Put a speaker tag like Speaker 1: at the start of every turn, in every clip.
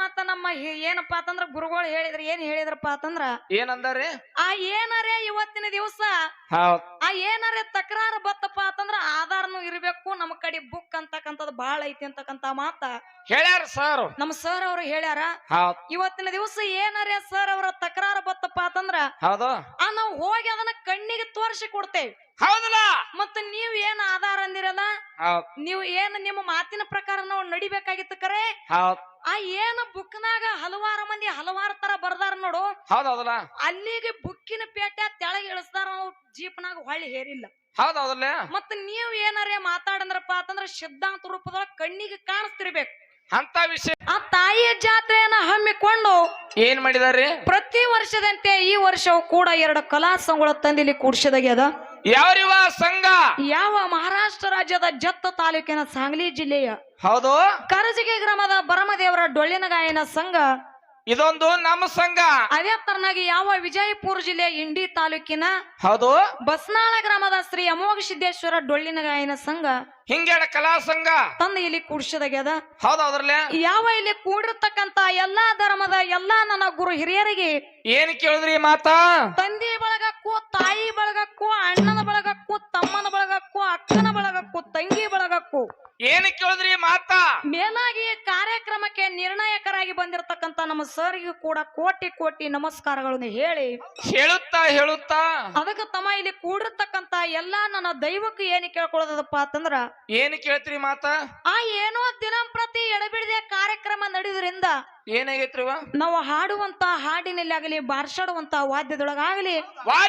Speaker 1: ಮಾತ ನಮ್ಮ ಏನಪ್ಪಾ ಅಂತಂದ್ರ ಗುರುಗಳು ಹೇಳಿದ್ರ ಏನ್ ಹೇಳಿದ್ರಪ್ಪ ಅಂತಂದ್ರ
Speaker 2: ಏನಂದಾರಿ
Speaker 1: ಆ ಏನರೇ ಇವತ್ತಿನ ದಿವಸ
Speaker 2: ಹೌದ್
Speaker 1: ಆ ಏನರೇ ತಕರಾರು ಬತ್ತಪ್ಪ ಅಂತಂದ್ರ ಆಧಾರನು ಇರ್ಬೇಕು ನಮ್ಮ ಕಡೆ ಬುಕ್ ಅಂತಕ್ಕಂಥದ್ದು ಬಾಳ ಐತಿ ಅಂತಕ್ಕಂತ ಮಾತ
Speaker 2: ಹೇಳ್ಯಾರ ಸರ್
Speaker 1: ನಮ್ಮ ಸರ್ ಅವ್ರು ಹೇಳ್ಯಾರ.
Speaker 2: ಹೌದ್
Speaker 1: ಇವತ್ತಿನ ದಿವಸ ಏನರೇ ಸರ್ ಅವರ ತಕರಾರು ಬತ್ತಪ್ಪ ಅಂತಂದ್ರ
Speaker 2: ಹೌದು
Speaker 1: ನಾವು ಹೋಗಿ ಅದನ್ನ ಕಣ್ಣಿಗೆ ತೋರಿಸಿ ಕೊಡ್ತೇವೆ.
Speaker 2: ಹೌದಲ್ಲ
Speaker 1: ಮತ್ತ ನೀವ್ ಏನ್ ಆಧಾರ ಅಂದಿರಲ್ಲ
Speaker 2: ಹೌದ್
Speaker 1: ನೀವು ಏನ್ ನಿಮ್ಮ ಮಾತಿನ ಪ್ರಕಾರ ನಾವು ನಡಿಬೇಕಾಗಿತ್ತು ಕರೆ.
Speaker 2: ಹೌದ್
Speaker 1: ಆ ಏನ ಬುಕ್ನಾಗ ಹಲವಾರು ಮಂದಿ ಹಲವಾರು ತರ ಬರ್ದಾರ ನೋಡು,
Speaker 2: ಹೌದಲ್ಲ
Speaker 1: ಅಲ್ಲಿಗೆ ಬುಕ್ಕಿನ ಪೇಟೆ ತೆಳಗ್ ಇಳಿಸ್ತಾರ, ನಾವು ಜೀಪ್ನಾಗ ಹೊಳ್ಳಿ ಹೇರಿಲ್ಲ.
Speaker 2: ಹೌದಲ್ಲ
Speaker 1: ಮತ್ತ ನೀವ್ ಏನಾರೇ ಮಾತಾಡಂದ್ರಪ್ಪ ಅಂತಂದ್ರ ಸಿದ್ಧಾಂತ ರೂಪದೊಳಗ ಕಣ್ಣಿಗೆ ಕಾಣಿಸ್ತಿರ್ಬೇಕು.
Speaker 2: ಅಂತ ವಿಷಯ
Speaker 1: ಆ ತಾಯಿಯ ಜಾತ್ರೆಯನ್ನ ಹಮ್ಮಿಕೊಂಡು
Speaker 2: ಏನ್ ಮಾಡಿದಾರಿ
Speaker 1: ಪ್ರತಿ ವರ್ಷದಂತೆ ಈ ವರ್ಷವೂ ಕೂಡ 2 ಕಲಾ ಸಂಘಗಳ ತಂದಿಲ್ಲಿ ಕೂಡ್ಸಿದಾಗ್ಯದ.
Speaker 2: ಯಾವ್ರಿವ ಸಂಘ
Speaker 1: ಯಾವ ಮಹಾರಾಷ್ಟ್ರ ರಾಜ್ಯದ ಜತ್ತ ತಾಲೂಕಿನ ಸಾಂಗ್ಲಿ ಜಿಲ್ಲೆಯ
Speaker 2: ಹೌದು
Speaker 1: ಕರಜಗಿ ಗ್ರಾಮದ ಬರಮದೇವರ ಡೊಳ್ಳಿನ ಗಾಯನ ಸಂಘ,
Speaker 2: ಇದೊಂದು ನಮ್ಮ ಸಂಘ.
Speaker 1: ಅದೇ ತರನಾಗಿ ಯಾವ ವಿಜಯಪುರ ಜಿಲ್ಲೆಯ ಇಂಡಿ ತಾಲೂಕಿನ
Speaker 2: ಹೌದು
Speaker 1: ಬಸ್ನಾಳ ಗ್ರಾಮದ ಶ್ರೀ ಅಮೋಘ ಸಿದ್ದೇಶ್ವರ ಡೊಳ್ಳಿನ ಗಾಯನ ಸಂಘ
Speaker 2: ಹಿಂಗೇಳ ಕಲಾ ಸಂಘ
Speaker 1: ತಂದು ಇಲ್ಲಿ ಕೂಡ್ಸಿದಾಗ್ಯದ.
Speaker 2: ಹೌದೌದ್ರಲ್ಲ
Speaker 1: ಯಾವ ಇಲ್ಲಿ ಕೂಡಿರ್ತಕ್ಕಂತ ಎಲ್ಲಾ ಧರ್ಮದ ಎಲ್ಲಾ ನನ್ನ ಗುರು ಹಿರಿಯರಿಗೆ
Speaker 2: ಏನ್ ಕೇಳಿದ್ರಿ ಮಾತಾ
Speaker 1: ತಂದೆ ಬಳಗಕ್ಕೂ ತಾಯಿ ಬಳಗಕ್ಕೂ ಅಣ್ಣನ ಬಳಗಕ್ಕೂ ತಮ್ಮನ ಬಳಗಕ್ಕೂ ಅಕ್ಕನ ಬಳಗಕ್ಕೂ ತಂಗಿ ಬಳಗಕ್ಕೂ
Speaker 2: ಏನ್ ಕೇಳಿದ್ರಿ ಮಾತಾ
Speaker 1: ಮೇಲಾಗಿ ಕಾರ್ಯಕ್ರಮಕ್ಕೆ ನಿರ್ಣಾಯಕರಾಗಿ ಬಂದಿರತಕ್ಕಂತ ನಮ್ಮ ಸರ್ಗೂ ಕೂಡ ಕೋಟಿ ಕೋಟಿ ನಮಸ್ಕಾರಗಳನ್ನು
Speaker 2: ಹೇಳುತ್ತಾ
Speaker 1: ಅದಕ್ಕೆ ತಮ್ಮ ಇಲ್ಲಿ ಕೂಡಿರ್ತಕ್ಕಂತ ಎಲ್ಲಾ ನನ್ನ ದೈವಕ್ಕೆ ಏನು ಕೇಳ್ಕೊಳ್ಳೋದಪ್ಪ ಅಂತಂದ್ರ
Speaker 2: ಏನ್ ಕೇಳ್ತೀರಿ ಮಾತಾ
Speaker 1: ಆ ಏನೋ ದಿನಂಪ್ರತಿ ಎಡಬಿಡದೆ ಕಾರ್ಯಕ್ರಮ ನಡೆಯುವುದರಿಂದ
Speaker 2: ಏನಾಗೈತ್ರಿವ
Speaker 1: ನಾವು ಹಾಡುವಂತ ಹಾಡಿನಲ್ಲಿ ಆಗಲಿ ಬಾರ್ಸಾಡುವಂತ ವಾದ್ಯದೊಳಗಾಗಲಿ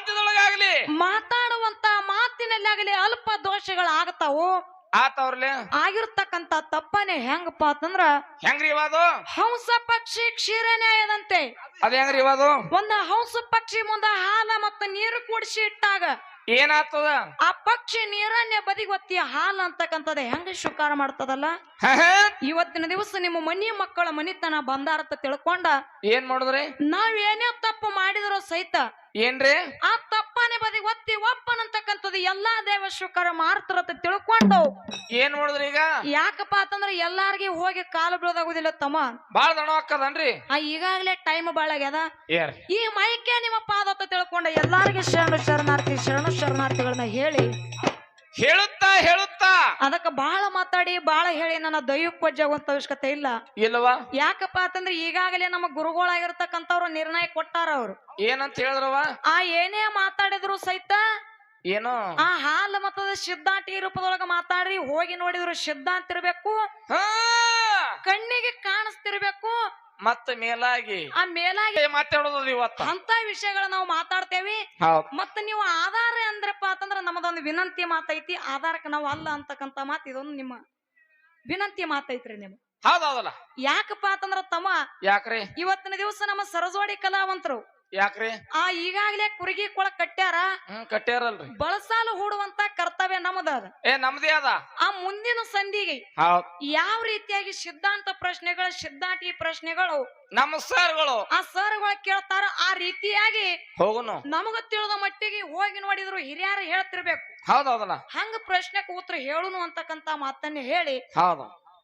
Speaker 1: ಮಾತಾಡುವಂತ ಮಾತಿನಲ್ಲಿ ಆಗಲಿ ಅಲ್ಪ ದೋಷಗಳಾಗತಾವು.
Speaker 2: ಆತವ್ರಲೆ
Speaker 1: ಆಗಿರ್ತಕ್ಕಂತ ತಪ್ಪನೆ ಹೆಂಗಪ್ಪ ಅಂತಂದ್ರ
Speaker 2: ಹೆಂಗ್ರಿ ಇವಾದು
Speaker 1: ಹಂಸ ಪಕ್ಷಿ ಕ್ಷೀರ ನ್ಯಾಯದಂತೆ
Speaker 2: ಅದ ಹೆಂಗ್ರಿ ಇವಾದು
Speaker 1: ಒಂದು ಹಂಸ ಪಕ್ಷಿ ಮುಂದ ಹಾಲ ಮತ್ತು ನೀರು ಕೂಡಿಸಿ ಇಟ್ಟಾಗ
Speaker 2: ಏನಾಗ್ತದ
Speaker 1: ಆ ಪಕ್ಷಿ ನೀರನ್ನೇ ಬದಿಗೊತ್ತಿ ಹಾಲು ಅಂತಕ್ಕಂಥದ್ದು ಹೆಂಗ ಸ್ವೀಕಾರ ಮಾಡ್ತದಲ್ಲ, ಇವತ್ತಿನ ದಿವಸ ನಿಮ್ಮ ಮನಿ ಮಕ್ಕಳ ಮನಿತನ ಬಂದಾರತ ತಿಳ್ಕೊಂಡ
Speaker 2: ಏನ್ ಮಾಡಿದ್ರಿ
Speaker 1: ನಾವೇನೇ ತಪ್ಪು ಮಾಡಿದ್ರು ಸಹಿತ
Speaker 2: ಏನ್ರಿ
Speaker 1: ಆ ತಪ್ಪನೆ ಬದಿ ಒತ್ತಿ ಒಪ್ಪನಂತಕ್ಕಂಥದ್ದು ಎಲ್ಲಾ ದೇವ ಸ್ವೀಕಾರ ಮಾಡ್ತಾರತ ತಿಳ್ಕೊಂಡು
Speaker 2: ಏನ್ ಮಾಡಿದ್ರಿ ಈಗ
Speaker 1: ಯಾಕಪ್ಪ ಅಂತಂದ್ರ ಎಲ್ಲಾರ್ಗಿ ಹೋಗಿ ಕಾಲು ಬೀಳೋದಾಗುದಿಲ್ಲ ತಮ್ಮ,
Speaker 2: ಬಾಳ ದಣ ಹಾಕದನ್ರಿ
Speaker 1: ಈಗಾಗಲೇ ಟೈಮ್ ಬಾಳ ಆಗ್ಯದ.
Speaker 2: ಏರ್
Speaker 1: ಈ ಮೈಕೆ ನಿಮ್ಮ ಪಾದತ್ತ ತಿಳ್ಕೊಂಡ ಎಲ್ಲಾರ್ಗಿ ಶರಣ ಶರಣಾರ್ಥಿಗಳನ್ನ
Speaker 2: ಹೇಳುತ್ತಾ
Speaker 1: ಅದಕ್ಕ ಬಹಳ ಮಾತಾಡಿ ಬಹಳ ಹೇಳಿ ನನ್ನ ದೈವಕ್ಕೆ ವಜ್ಜಾಗುವಂತ ಅವಶ್ಯಕತೆ ಇಲ್ಲ.
Speaker 2: ಇಲ್ವಾ
Speaker 1: ಯಾಕಪ್ಪ ಅಂತಂದ್ರೆ ಈಗಾಗಲೇ ನಮ್ಮ ಗುರುಗಳಾಗಿರ್ತಕ್ಕಂಥವ್ರು ನಿರ್ಣಯ ಕೊಟ್ಟಾರ. ಅವ್ರು
Speaker 2: ಏನಂತ ಹೇಳಿದ್ರವ
Speaker 1: ಆ ಏನೇ ಮಾತಾಡಿದ್ರು ಸಹಿತ
Speaker 2: ಏನು
Speaker 1: ಆ ಹಾಲು ಮತದ ಸಿದ್ಧಾಂತಿ ರೂಪದೊಳಗ ಮಾತಾಡ್ರಿ, ಹೋಗಿ ನೋಡಿದ್ರು ಸಿದ್ಧಾಂತ ಇರ್ಬೇಕು, ಕಣ್ಣಿಗೆ ಕಾಣಿಸ್ತಿರ್ಬೇಕು,
Speaker 2: ಮತ್ತ ಮೇಲಾಗಿ
Speaker 1: ಆ ಮೇಲಾಗಿ
Speaker 2: ಮಾತಾಡೋದು ಇವತ್ತ
Speaker 1: ಅಂತ ವಿಷಯಗಳ ನಾವು ಮಾತಾಡ್ತೇವಿ. ಮತ್ತ ನೀವು ಆಧಾರ ಅಂದ್ರಪ್ಪ ಅಂತಂದ್ರ ನಮ್ಮದೊಂದು ವಿನಂತಿ ಮಾತೈತಿ, ಆಧಾರಕ್ಕೆ ನಾವು ಅಲ್ಲ ಅಂತಕ್ಕಂತ ಮಾತು ಇದೊಂದು ನಿಮ್ಮ ವಿನಂತಿ ಮಾತೈತ್ರಿ. ನಿಮ್
Speaker 2: ಹೌದೌದಲ್ಲ
Speaker 1: ಯಾಕಪ್ಪ ಅಂತಂದ್ರ ತಮ್ಮ
Speaker 2: ಯಾಕ್ರಿ
Speaker 1: ಇವತ್ತಿನ ದಿವಸ ನಮ್ಮ ಸರಜೋಡಿ ಕಲಾವಂತರು
Speaker 2: ಯಾಕ್ರಿ
Speaker 1: ಈಗಾಗಲೇ ಕುರುಗಿ ಕೊಳ ಕಟ್ಟ್ಯಾರ,
Speaker 2: ಕಟ್ಟ್ಯಾರಲ್ರಿ,
Speaker 1: ಬಳಸಾಲು ಹೂಡುವಂತ ಕರ್ತವ್ಯ ನಮ್ಮದ.
Speaker 2: ನಮ್ದೇ ಅದ.
Speaker 1: ಆ ಮುಂದಿನ ಸಂಧಿಗೆ ಯಾವ ರೀತಿಯಾಗಿ ಸಿದ್ಧಾಂತ ಪ್ರಶ್ನೆಗಳು ಸಿದ್ಧಾಂತಿ ಪ್ರಶ್ನೆಗಳು
Speaker 2: ನಮ್ಮ ಸರ್ಗಳು
Speaker 1: ಆ ಸರ್ಗಳು ಕೇಳ್ತಾರ, ಆ ರೀತಿಯಾಗಿ
Speaker 2: ಹೋಗುನು
Speaker 1: ನಮಗ ತಿಳಿದ ಮಟ್ಟಿಗೆ ಹೋಗಿ ನೋಡಿದ್ರು ಹಿರಿಯರು ಹೇಳ್ತಿರ್ಬೇಕು.
Speaker 2: ಹೌದೌದಲ್ಲ
Speaker 1: ಹಂಗ ಪ್ರಶ್ನೆಗೆ ಉತ್ತರ ಹೇಳುನು ಅಂತಕ್ಕಂತ ಮಾತನ್ನ ಹೇಳಿ
Speaker 2: ಹೌದು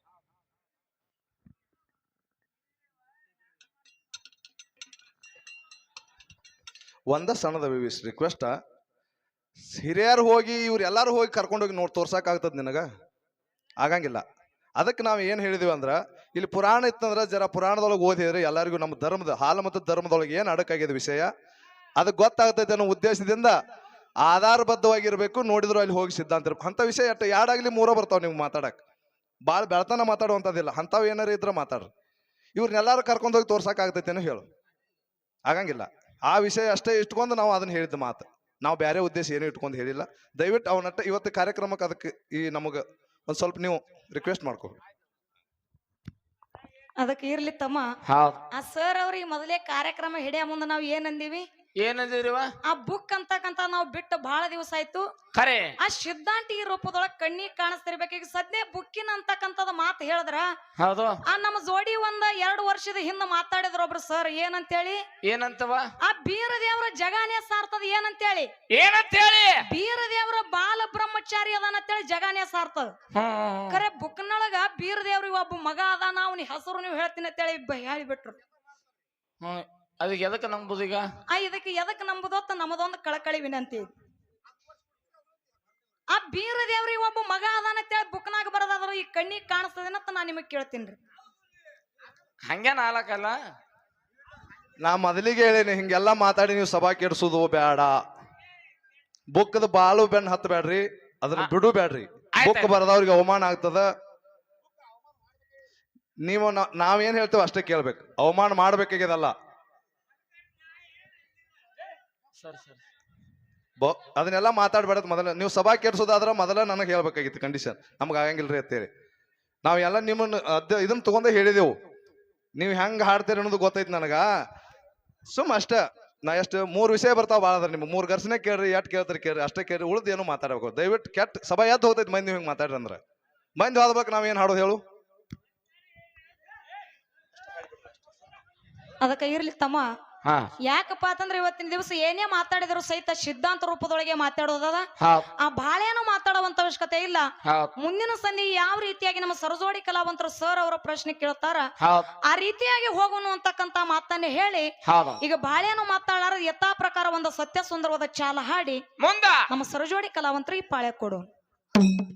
Speaker 3: ಒಂದ ಸಣ್ಣದ ರಿಕ್ವೆಸ್ಟ್, ಹಿರಿಯರು ಹೋಗಿ ಇವ್ರು ಎಲ್ಲಾರು ಹೋಗಿ ಕರ್ಕೊಂಡೋಗಿ ತೋರ್ಸಕ್ಕಾಗ್ತದ ನಿನಗ ಆಗಂಗಿಲ್ಲ. ಅದಕ್ಕೆ ನಾವು ಏನು ಹೇಳಿದೀವಿ ಅಂದ್ರೆ ಇಲ್ಲಿ ಪುರಾಣ ಇತ್ತಂದ್ರೆ ಜರ ಪುರಾಣದೊಳಗೆ ಓದಿದ್ರೆ ಎಲ್ಲರಿಗೂ ನಮ್ಮ ಧರ್ಮದ ಹಾಲು ಮತ್ತು ಧರ್ಮದೊಳಗೆ ಏನು ಅಡಕಾಗಿದೆ ವಿಷಯ ಅದಕ್ಕೆ ಗೊತ್ತಾಗ್ತೈತೆ ಅನ್ನೋ ಉದ್ದೇಶದಿಂದ ಆಧಾರಬದ್ಧವಾಗಿರ್ಬೇಕು. ನೋಡಿದ್ರು ಅಲ್ಲಿ ಹೋಗಿ ಸಿದ್ಧಾಂತ ಇರ್ಬೇಕು. ಅಂಥ ವಿಷಯ ಎಟ್ಟು ಎರಡಾಗ್ಲಿ ಮೂರೋ ಬರ್ತಾವ ನೀವು ಮಾತಾಡಕ್ಕೆ, ಭಾಳ ಬೆಳತನ ಮಾತಾಡುವಂಥದ್ದಿಲ್ಲ. ಅಂಥವು ಏನಾರು ಇದ್ರೆ ಮಾತಾಡ್ರಿ. ಇವ್ರನ್ನೆಲ್ಲರೂ ಕರ್ಕೊಂಡೋಗಿ ತೋರ್ಸಕ್ಕಾಗ್ತೈತೇನೋ ಹೇಳು, ಆಗಂಗಿಲ್ಲ. ಆ ವಿಷಯ ಅಷ್ಟೇ ಇಟ್ಕೊಂಡು ನಾವು ಅದನ್ನ ಹೇಳಿದ ಮಾತು, ನಾವು ಬೇರೆ ಉದ್ದೇಶ ಏನು ಇಟ್ಕೊಂಡು ಹೇಳಿಲ್ಲ. ದಯವಿಟ್ಟು ಅವನಟ್ಟ ಇವತ್ತು ಕಾರ್ಯಕ್ರಮಕ್ಕೆ ಅದಕ್ಕೆ ಈ ನಮಗೆ ಒಂದು ಸ್ವಲ್ಪ ನೀವು ರಿಕ್ವೆಸ್ಟ್ ಮಾಡ್ಕೊ.
Speaker 1: ಅದಕ್ಕೆ ಇರ್ಲಿ ತಮ್ಮ. ಆ ಸರ್ ಅವ್ರಿಗೆ ಮೊದಲೇ ಕಾರ್ಯಕ್ರಮ ಹಿಡಿಯ ಮುಂದೆ ನಾವು ಏನಂದೀವಿ,
Speaker 2: ಏನಂದಿರಿವ
Speaker 1: ಆ ಬುಕ್ ಅಂತಕ್ಕಂತ ನಾವು ಬಿಟ್ಟು ಬಹಳ ದಿವಸ ಆಯ್ತು.
Speaker 2: ಖರೆ
Speaker 1: ಆ ಸಿದ್ಧಾಂತಿ ರೂಪದೊಳಗ ಕಣ್ಣಿಗೆ ಕಾಣಿಸ್ತಿರ್ಬೇಕು. ಈಗ ಸದ್ಯ ಬುಕ್ಕಿನ ಅಂತಕ್ಕಂಥದ ಮಾತು ಹೇಳಿದ್ರ
Speaker 2: ಹೌದು.
Speaker 1: ಆ ನಮ್ಮ ಜೋಡಿ 2 ವರ್ಷದ ಹಿಂದ ಮಾತಾಡಿದ್ರ ಒಬ್ರು ಸರ್ ಏನಂತೇಳಿ
Speaker 2: ಏನಂತವ
Speaker 1: ಆ ಬೀರ ದೇವರ ಜಗಾನೇ ಸಾರ್ತದ ಏನಂತೇಳಿ ಬೀರ ದೇವರ ಬಾಲ ಬ್ರಹ್ಮಚಾರಿ ಅದಾನಂತೇಳಿ ಜಗಾನೇ ಸಾರ್ತದ. ಖರೆ ಬುಕ್ನೊಳಗ ಬೀರ ದೇವ್ರಿಗೆ ಒಬ್ಬ ಮಗ ಅದಾನ ಅವನ ಹೆಸರು ನೀವು ಹೇಳ್ತೀನಿ ಅಂತೇಳಿ ಹೇಳಿಬಿಟ್ರು.
Speaker 2: ಅದಕ್ಕೆ ಎದಕ್ಕೆ ನಂಬುದು ಈಗ
Speaker 1: ಇದಕ್ಕೆ ಎದಕ್ಕೆ ನಂಬುದೊತ್ತ ನಮ್ಮದೊಂದು ಕಳಕಳಿ ವಿನಂತಿ. ಆ ಬೀರ ದೇವ್ರಿಗೆ ಒಬ್ಬ ಮಗ ಅದಾನಂತೇಳಿ ಬುಕ್ನಾಗ ಬರೋದಾದ್ರು ಈ ಕಣ್ಣಿಗೆ ಕಾಣಿಸ್ತದೇನಂತ ನಾ ನಿಮಗ್ ಕೇಳ್ತೀನಿ.
Speaker 2: ಹಂಗೇನ ಆಲಕಲ್ಲ.
Speaker 3: ನಾ ಮೊದಲಿಗೆ ಹೇಳೇನಿ ಹಿಂಗೆಲ್ಲಾ ಮಾತಾಡಿ ನೀವು ಸಭಾ ಕೆಡ್ಸುದು ಬೇಡ. ಬುಕ್ದ ಬಾಳು ಬೆನ್ ಹತ್ತ ಬೇಡ್ರಿ, ಅದನ್ನ ಬಿಡು ಬೇಡ್ರಿ. ಬುಕ್ ಬರದವ್ರಿಗೆ ಅವಮಾನ ಆಗ್ತದ. ನೀವು ನಾವೇನ್ ಹೇಳ್ತೇವೆ ಅಷ್ಟೇ ಕೇಳ್ಬೇಕು, ಅವಮಾನ ಮಾಡ್ಬೇಕಾಗ್ಯದಲ್ಲ. ಅದನ್ನೆಲ್ಲ ಮಾತಾಡ್ಬೇಡ. ಮೊದಲ ನೀವು ಸಭಾ ಕೆಡ್ಸೋದಾದ್ರ ಮೊದಲ ನನಗೆ ಹೇಳ್ಬೇಕಾಗಿತ್ತು ಕಂಡೀಷನ್, ನಮ್ಗೆ ಆಗಂಗಿಲ್ರಿ ಅಂತೇಳಿ. ನಾವೆಲ್ಲ ನಿಮ್ಮನ್ನ ಇದನ್ನ ತಗೊಂಡೇ ಹೇಳಿದೆವು. ನೀವು ಹೆಂಗ್ ಹಾಡ್ತೀರಿ ಅನ್ನೋದು ಗೊತ್ತೈತಿ ನನಗ. ಅಷ್ಟ ನಾ ಎಷ್ಟು 3 ವಿಷಯ ಬರ್ತಾವ ಭಾಳ ಅದ್ರ. ನಿಮ್ಗೆ 3 ಘರ್ಷಣೆ ಕೇಳ್ರಿ, ಎಟ್ ಕೇಳ್ತಾರೆ ಕೇಳ್ರಿ, ಅಷ್ಟೇ ಕೇಳ್ರಿ, ಉಳ್ದು ಏನು ಮಾತಾಡ್ಬೇಕು. ದಯವಿಟ್ಟು ಕೆಟ್ಟ ಸಭಾ ಎದ್ದು ಹೋಗ್ತೈತಿ ಮಂದಿ ಹಿಂಗೆ ಮಾತಾಡ್ರಿ ಅಂದ್ರೆ. ಮಂದಿ ಹೋದ್ಬೇಕು ನಾವೇನ್ ಹಾಡೋದು ಹೇಳು.
Speaker 1: ಅದಕ್ಕೆ ಇರ್ಲಿ ತಮ್ಮ, ಯಾಕಪ್ಪ ಅಂತಂದ್ರೆ ಇವತ್ತಿನ ದಿವಸ ಏನೇ ಮಾತಾಡಿದ್ರು ಸಹಿತ ಸಿದ್ಧಾಂತ ರೂಪದೊಳಗೆ ಮಾತಾಡೋದದ. ಆ ಬಾಳೇನು ಮಾತಾಡುವಂತ ಅವಶ್ಯಕತೆ ಇಲ್ಲ. ಮುಂದಿನ ಸಂಧಿ ಯಾವ ರೀತಿಯಾಗಿ ನಮ್ಮ ಸರಜೋಡಿ ಕಲಾವಂತರು ಸರ್ ಅವರ ಪ್ರಶ್ನೆ ಕೇಳ್ತಾರ ಆ ರೀತಿಯಾಗಿ ಹೋಗೋಣ ಅಂತಕ್ಕಂತ ಮಾತನ್ನೇ ಹೇಳಿ ಈಗ ಬಾಳೇನು ಮಾತಾಡಾರ ಯಥಾ ಪ್ರಕಾರ ಒಂದು ಸತ್ಯ ಸುಂದರವಾದ ಚಾಲ ಹಾಡಿ ನಮ್ಮ ಸರಜೋಡಿ ಕಲಾವಂತರು ಈ ಪಾಳ್ಯ ಕೊಡು.